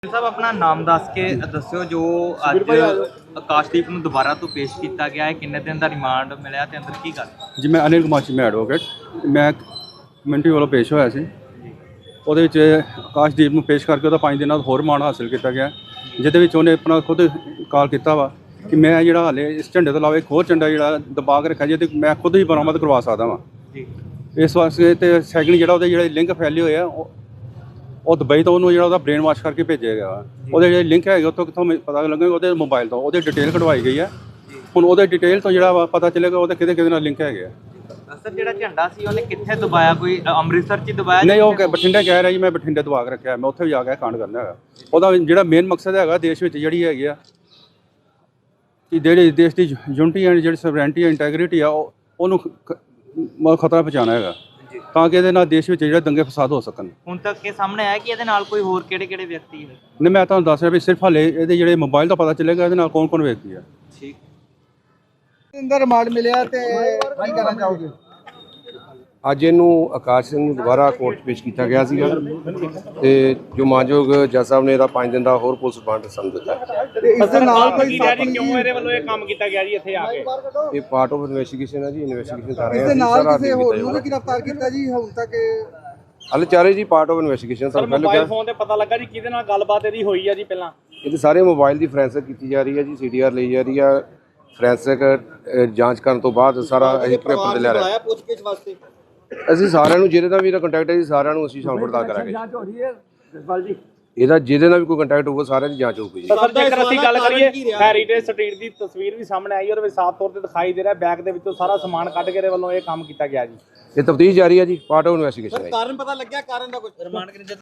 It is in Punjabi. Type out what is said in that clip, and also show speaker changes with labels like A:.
A: ਸਾਹਿਬ ਆਪਣਾ ਨਾਮ ਦੱਸ ਕੇ ਦੱਸਿਓ ਜੋ ਅੱਜ ਆਕਾਸ਼ਦੀਪ ਨੂੰ ਦੁਬਾਰਾ ਤੋਂ ਪੇਸ਼ ਕੀਤਾ ਗਿਆ ਹੈ। ਕਿੰਨੇ ਦਿਨ ਦਾ ਰਿਮਾਂਡ ਮਿਲਿਆ ਤੇ ਅੰਦਰ ਕੀ ਗੱਲ?
B: ਜੀ ਮੈਂ ਅਨਿਲ ਕੁਮਾਰ ਮੈਂ ਐਡਵੋਕੇਟ ਮੈਂ ਕਮਿਊਨਿਟੀ ਵੱਲੋਂ ਪੇਸ਼ ਹੋਇਆ ਸੀ। ਉਹਦੇ ਵਿੱਚ ਆਕਾਸ਼ਦੀਪ ਨੂੰ ਪੇਸ਼ ਕਰਕੇ ਉਹਦਾ 5 ਦਿਨਾਂ ਦਾ ਹੋਰ ਰਿਮਾਂਡ ਹਾਸਲ ਕੀਤਾ ਗਿਆ, ਜਿਹਦੇ ਵਿੱਚ ਉਹਨੇ ਆਪਣਾ ਖੁਦ ਕਾਲ ਕੀਤਾ ਵਾ ਕਿ ਮੈਂ ਜਿਹੜਾ ਹਾਲੇ ਇਸ ਝੰਡੇ ਤੋਂ ਇਲਾਵਾ ਇੱਕ ਹੋਰ ਝੰਡਾ ਜਿਹੜਾ ਦਬਾ ਕੇ ਰੱਖਿਆ ਜੇ ਤੇ ਮੈਂ ਖੁਦ ਹੀ ਬਰਾਮਦ ਕਰਵਾ ਸਕਦਾ ਵਾਂ
A: ਜੀ।
B: ਇਸ ਵਾਸਤੇ ਤੇ ਸੈਕਿੰਡ ਜਿਹੜਾ ਉਹਦੇ ਜਿਹੜੇ ਲਿੰਕ ਫੈਲੇ ਹੋਏ ਆ ਉਹ ਦੁਬਈ ਤੋਂ ਉਹਨੂੰ ਜਿਹੜਾ ਉਹਦਾ ਬ੍ਰੇਨ ਵਾਸ਼ ਕਰਕੇ ਭੇਜਿਆ ਗਿਆ। ਉਹਦੇ ਜਿਹੜੇ ਲਿੰਕ ਹੈਗੇ ਉੱਥੋਂ ਕਿੱਥੋਂ ਪਤਾ ਲੱਗੇਗਾ? ਉਹਦੇ ਮੋਬਾਈਲ ਤੋਂ ਉਹਦੇ ਡਿਟੇਲ ਕਢਵਾਈ ਗਈ ਹੈ। ਹੁਣ ਉਹਦੇ ਡਿਟੇਲ ਤੋਂ ਜਿਹੜਾ ਪਤਾ ਚੱਲੇਗਾ ਉਹਦੇ ਕਿਹਦੇ ਨਾਲ ਲਿੰਕ ਹੈਗੇ ਆ।
A: ਸਰ ਜਿਹੜਾ ਝੰਡਾ ਸੀ ਉਹਨੇ ਕਿੱਥੇ ਦਬਾਇਆ? ਕੋਈ ਅੰਮ੍ਰਿਤਸਰ 'ਚ ਦਬਾਇਆ?
B: ਨਹੀਂ, ਉਹ ਬਠਿੰਡੇ ਕਹਿ ਰਿਹਾ ਜੀ ਮੈਂ ਬਠਿੰਡੇ ਦਬਾ ਕੇ ਰੱਖਿਆ, ਮੈਂ ਉੱਥੇ ਵੀ ਜਾ ਕੇ ਕਾਂਡ ਕਰਨਾ ਹੈਗਾ। ਉਹਦਾ ਜਿਹੜਾ ਮੇਨ ਮਕਸਦ ਹੈਗਾ ਦੇਸ਼ ਵਿੱਚ ਜਿਹੜੀ ਹੈਗੀ ਆ ਕਿ ਜਿਹੜੇ ਦੇਸ਼ ਦੀ ਯੂਨਿਟੀ ਐਂਡ ਜਿਹੜੀ ਸਵਰੈਂਟੀ ਇੰਟੈਗ੍ਰਿਟੀ ਆ ਉਹਨੂੰ ਖਤਰਾ ਪਹੁੰਚਾਉਣਾ ਹੈਗਾ, ਤਾਂ ਕਿ ਇਹਦੇ ਨਾਲ ਦੇਸ਼ ਵਿੱਚ ਜਿਹੜੇ ਦੰਗੇ ਫਸਾਦ ਹੋ ਸਕਣ। ਹੁਣ
A: ਤੱਕ ਇਹ ਸਾਹਮਣੇ ਆਇਆ ਕਿ ਇਹਦੇ ਨਾਲ ਕੋਈ ਹੋਰ ਕਿਹੜੇ ਵਿਅਕਤੀ ਹੈ?
B: ਨਹੀਂ, ਮੈਂ ਤੁਹਾਨੂੰ ਦੱਸ ਰਿਹਾ ਵੀ ਸਿਰਫ ਹਾਲੇ ਇਹਦੇ ਜਿਹੜੇ ਮੋਬਾਈਲ ਤੋਂ ਪਤਾ ਚੱਲੇਗਾ ਇਹਦੇ ਨਾਲ ਕੌਣ ਵਿਅਕਤੀ ਆ।
A: ਠੀਕ।
C: ਅੰਦਰ ਰਿਮਾਂਡ ਮਿਲਿਆ ਤੇ ਕੀ ਕਰਨਾ ਚਾਹੋਗੇ?
D: ਅੱਜ ਇਹਨੂੰ ਆਕਾਸ਼ ਸਿੰਘ ਨੂੰ ਦੁਬਾਰਾ ਕੋਰਟ 'ਚ ਪੇਸ਼ ਕੀਤਾ ਗਿਆ ਸੀਗਾ ਤੇ ਜੋ ਮਾਨਯੋਗ ਜੱਜ ਸਾਹਿਬ ਨੇ ਇਹਦਾ 5 ਦਿਨ ਦਾ ਹੋਰ ਪੁਲਿਸ ਰਿਮਾਂਡ ਸਾਨੂੰ ਦਿੱਤਾ।
C: ਇਸ ਦੇ ਨਾਲ ਕੋਈ
E: ਕਿਉਂ ਇਹਦੇ ਵੱਲੋਂ ਇਹ ਕੰਮ ਕੀਤਾ ਗਿਆ ਜੀ ਇੱਥੇ ਆ ਕੇ?
D: ਇਹ ਪਾਰਟ ਆਫ ਇਨਵੈਸਟੀਗੇਸ਼ਨ ਹੈ ਜੀ, ਇਨਵੈਸਟੀਗੇਸ਼ਨ ਕਰ ਰਹੇ
C: ਇਸ
D: ਹਾਂ।
C: ਦੇ ਨਾਲ ਕਿਸੇ ਹੋਰ ਨੂੰ ਵੀ ਗ੍ਰਿਫਤਾਰ ਕੀਤਾ ਜੀ ਹੁਣ ਤੱਕ?
D: ਹਾਲੇ ਚਾਰੇ ਜੀ ਪਾਰਟ ਆਫ ਇਨਵੈਸਟੀਗੇਸ਼ਨ
E: ਸਰ
D: ਸਾਨੂੰ
E: ਮੋਬਾਈਲ ਫੋਨ ਤੇ ਪਤਾ ਲੱਗਾ ਜੀ ਕਿਹਦੇ ਨਾਲ ਗੱਲਬਾਤ ਇਹਦੀ ਹੋਈ ਆ ਜੀ ਪਹਿਲਾਂ?
D: ਇਹਦੇ ਸਾਰੇ ਮੋਬਾਈਲ ਦੀ ਫੋਰੈਂਸਿਕ ਕੀਤੀ ਜਾ ਰਹੀ ਹੈ ਜੀ, ਸੀਡੀਆਰ ਲਈ ਜਾ ਰਹੀ ਆ। ਫੋਰੈਂਸਿਕ ਜਾਂਚ ਕਰਨ ਤੋਂ ਬਾਅਦ ਸਾਰਾ ਅਸੀਂ ਪੇਪਰ ਤੇ ਲੈ ਰਹੇ ਹਾਂ। ਅਸੀਂ ਸਾਰਿਆਂ ਨੂੰ ਜਿਹਦੇ ਨਾਲ ਵੀ ਇਹਦਾ ਕੰਟੈਕਟ ਹੈ ਜੀ ਸਾਰਿਆਂ ਨੂੰ ਅਸੀਂ ਸ਼ਾਮਲ ਕਰਾਂਗੇ। ਇਹਦਾ ਜਿਹਦੇ ਨਾਲ ਵੀ ਕੋਈ ਕੰਟੈਕਟ ਹੋਊਗਾ ਸਾਰਿਆਂ ਦੀ ਜਾਂਚ ਹੋਊਗੀ ਜੀ।
E: ਸਰ ਜੇਕਰ ਅਸੀਂ ਗੱਲ ਕਰੀਏ ਹੈਰੀਟੇਜ ਸਟਰੀਟ ਦੀ ਤਸਵੀਰ ਵੀ ਸਾਹਮਣੇ ਆਈ, ਉਹਦੇ ਵਿੱਚ ਸਾਫ਼ ਤੌਰ ਤੇ ਦਿਖਾਈ ਦੇ ਰਿਹਾ ਬੈਗ ਦੇ ਵਿੱਚੋਂ ਸਾਰਾ ਸਮਾਨ ਕੱਢ ਕੇ ਇਹਦੇ ਵੱਲੋਂ ਇਹ ਕੰਮ ਕੀਤਾ ਗਿਆ ਜੀ।
D: ਇਹ ਤਫਤੀਸ਼ ਜਾਰੀ ਹੈ ਜੀ, ਪਾਰਟ ਆਫ ਇਨਵੈਸਟੀਗੇਸ਼ਨ ਹੈ।
C: ਕਾਰਨ ਪਤਾ ਲੱਗਿਆ? ਕਾਰਨ ਦਾ ਕੁਝ ਰਿਮਾਂਡ